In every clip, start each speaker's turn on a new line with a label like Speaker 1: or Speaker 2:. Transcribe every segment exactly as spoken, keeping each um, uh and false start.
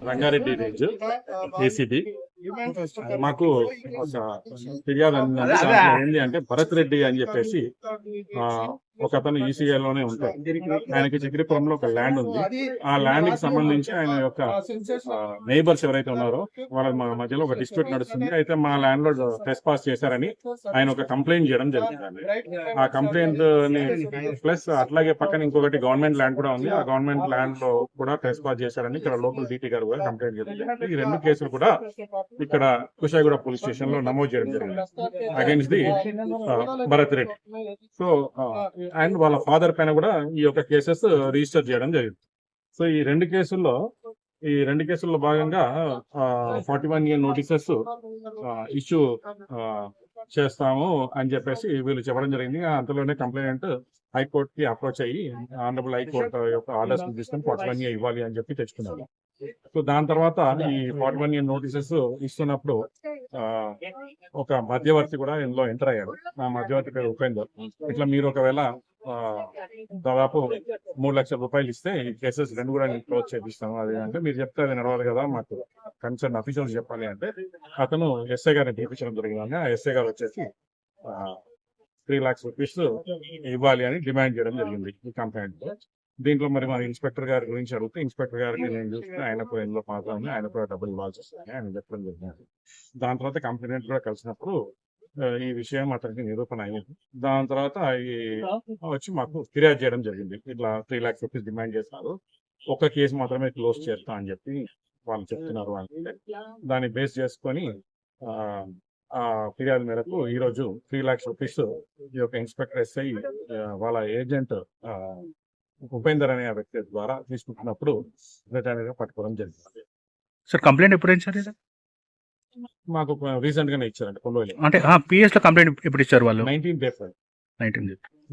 Speaker 1: Rangareddy range ACB మాకు ఒక ఫిర్యాదు అందిందంటే దాంట్లో ఏంటి అంటే భరత్ రెడ్డి అని చెప్పేసి ఆ ఒక అతను ఈసీఐలోనే ఉంటారు. ఆయనకి చక్రీపురంలో ఒక ల్యాండ్ ఉంది. ఆ ల్యాండ్ కి సంబంధించి ఆయన యొక్క నైబర్స్ ఎవరైతే ఉన్నారో వాళ్ళ మధ్యలో ఒక డిస్ప్యూట్ నడుస్తుంది. అయితే మా ల్యాండ్ లో టెస్ట్ పాస్ చేశారని ఆయన ఒక కంప్లైంట్ చేయడం జరిగిందండి. ఆ కంప్లైంట్ ని ప్లస్ అట్లాగే పక్కన ఇంకొకటి గవర్నమెంట్ ల్యాండ్ కూడా ఉంది. ఆ గవర్నమెంట్ ల్యాండ్ లో కూడా టెస్ట్ పాస్ చేశారని ఇక్కడ లోకల్ డీటీ గారు కూడా కంప్లైంట్ చేశారు. ఈ రెండు కేసులు కూడా ఇక్కడ కుషాయిగూడ పోలీస్ స్టేషన్ లో నమోదు చేయడం జరిగింది against the Bharat Reddy. So and వాళ్ళ ఫాదర్ పైన కూడా ఈ యొక్క కేసెస్ రిజిస్టర్ చేయడం జరిగింది. సో ఈ రెండు కేసుల్లో ఈ రెండు కేసుల్లో భాగంగా forty one year notices issue చేస్తాము అని చెప్పేసి వీళ్ళు చెప్పడం జరిగింది. అంతలోనే కంప్లైంట్ హైకోర్టు కి అప్రోచ్ అయ్యి ఆనరబుల్ హైకోర్టు యొక్క ఆర్డర్స్ తీసుకొని ఫార్టీ వన్ ఇయర్ ఇవ్వాలి అని చెప్పి తెచ్చుకున్నారు. సో దాని తర్వాత ఈ ఫార్టీ వన్ ఇయర్ నోటీసెస్ ఇస్తున్నప్పుడు ఆ ఒక మధ్యవర్తి కూడా ఇందులో ఎంటర్ అయ్యాడు. ఆ మధ్యవర్తి పేరు ఉపేందర్. ఇట్లా మీరు ఒకవేళ ఆ దాదాపు మూడు లక్షల రూపాయలు ఇస్తే ఈ కేసెస్ రెండు కూడా నేను క్లోజ్ చేపిస్తాను అది అంటే మీరు చెప్తే అది నడవాలి కదా, మాకు కన్సర్న్ అఫీషియల్స్ చెప్పాలి అంటే అతను ఎస్ఐ గారిని పిలిపించడం జరిగింది. ఆ ఎస్ఐ గారు వచ్చేసి త్రీ లాక్స్ రూపీస్ ఇవ్వాలి అని డిమాండ్ చేయడం జరిగింది ఈ కంప్లైంట్ లో. దీంట్లో మరి మన ఇన్స్పెక్టర్ గారి గురించి అడిగితే ఇన్స్పెక్టర్ గారికి నేను చూస్తే ఆయన కూడా ఇందులో పాత్ర ఉంది, ఆయన కూడా డబ్బులు ఇవ్వాల్సి వస్తుంది ఆయన చెప్పడం జరిగింది. దాని తర్వాత కంప్లైంట్ కూడా కలిసినప్పుడు ఈ విషయం అతనికి నిరూపణ అయింది. దాని తర్వాత ఈ వచ్చి మాకు ఫిర్యాదు చేయడం జరిగింది. ఇట్లా త్రీ లాక్స్ రూపీస్ డిమాండ్ చేస్తున్నారు, ఒక కేసు మాత్రమే క్లోజ్ చేస్తా అని చెప్పి వాళ్ళు చెప్తున్నారు అంటే దాన్ని బేస్ చేసుకొని ఆ ఫిర్యాదు మేరకు ఈ రోజు త్రీ లాక్స్ రూపీస్ ఈ యొక్క ఇన్స్పెక్టర్ ఎస్ఐ వాళ్ళ ఏజెంట్ ఉపేందర్ అనే వ్యక్తి ద్వారా తీసుకుంటున్నప్పుడు రిటర్న్ గా పట్టుకోవడం జరిగింది.
Speaker 2: సార్ కంప్లైంట్ ఎప్పుడు ఇచ్చారు?
Speaker 1: మాకు రీసెంట్ గానే ఇచ్చారండి కొల్లోలి.
Speaker 2: అంటే పిఎస్ లో కంప్లైంట్ ఎప్పుడు ఇచ్చారు వాళ్ళు?
Speaker 1: నైన్టీన్ ఏప్రిల్
Speaker 2: నైన్టీన్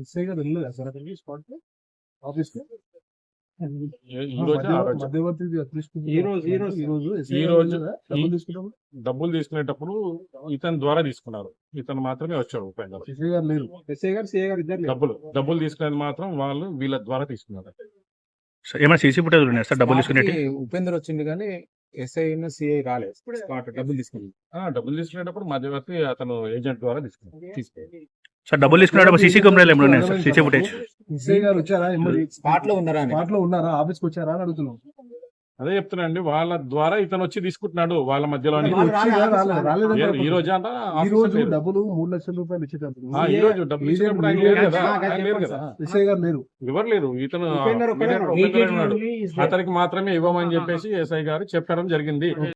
Speaker 1: డబ్బులు తీసుకునేటప్పుడు ఇతని ద్వారా తీసుకున్నారు. ఇతను మాత్రమే వచ్చాడు ఉపేందర్. డబ్బులు డబ్బులు తీసుకునేది మాత్రం వాళ్ళు వీళ్ళ ద్వారా తీసుకున్నారు.
Speaker 2: ఏమైనా సీసీ ఫుటేజ్ ఉన్నాయి సార్ డబ్బులు తీసుకునేది?
Speaker 3: ఉపేందర్ వచ్చింది కానీ ఎస్ఐ సిఐ రాలేదు. డబ్బులు తీసుకుని
Speaker 1: డబ్బులు తీసుకునేటప్పుడు మధ్యవర్తి అతను ఏజెంట్ ద్వారా తీసుకున్నారు తీసుకున్నారు
Speaker 2: సార్. డబ్బులు తీసుకునేటప్పుడు సీసీ కెమెరాలు ఏమైనా ఉన్నాయి సార్? సీసీ ఫుటేజ్
Speaker 3: ఎస్ఐ గారు వచ్చారా, స్పాట్ లో ఉన్నారా స్పాట్ లో ఉన్నారా ఆఫీస్కి వచ్చారా అని అడుగుతున్నాం.
Speaker 1: అదే చెప్తున్నాండి, వాళ్ళ ద్వారా ఇతను వచ్చి తీసుకుంటున్నాడు వాళ్ళ మధ్యలో. ఈ రోజు అంట
Speaker 3: డబ్బులు మూడు లక్షల రూపాయలు ఇచ్చేటప్పుడు
Speaker 1: ఈ రోజు డబ్బులు ఇచ్చినప్పుడు ఆయన లేరు కదా, ఆయన లేరు కదా,
Speaker 3: ఎస్ఐ గారు లేరు,
Speaker 1: ఎవరు లేరు. ఇతను అతనికి మాత్రమే ఇవ్వమని చెప్పేసి ఎస్ఐ గారు చెప్పడం జరిగింది.